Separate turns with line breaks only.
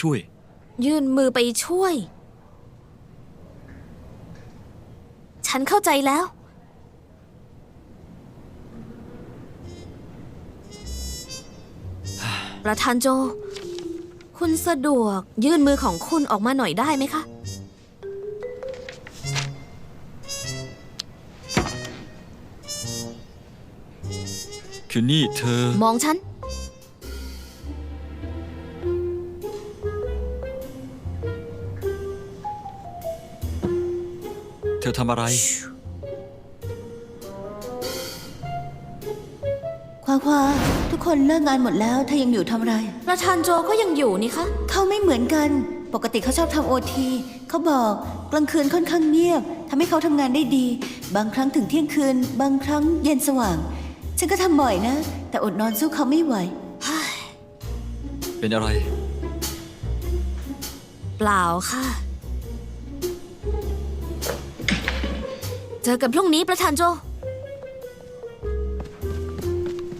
ช่วย
ยื่นมือไปช่วย ฉันเข้าใจแล้ว ประธานโจ คุณสะดวกยื่นมือของคุณออกมาหน่อยได้ไหมคะ
คือนี่เธอ
มองฉัน
เธอทำอะไร
ควาทุกคนเลิกงานหมดแล้วเธอยังอยู่ทำอะไร
ประธานโจก็ยังอยู่นี่คะ
เขาไม่เหมือนกัน ปกติเขาชอบทำโอทีเขาบอกกลางคืนค่อนข้างเงียบทำให้เขาทำงานได้ดี บางครั้งถึงเที่ยงคืน บางครั้งเย็นสว่าง ฉันก็ทำบ่อยนะ แต่อดนอนสู้เขาไม่ไหว
เป็นอะไร
เปล่าค่ะ เจอกันพรุ่งนี้ประธานโจ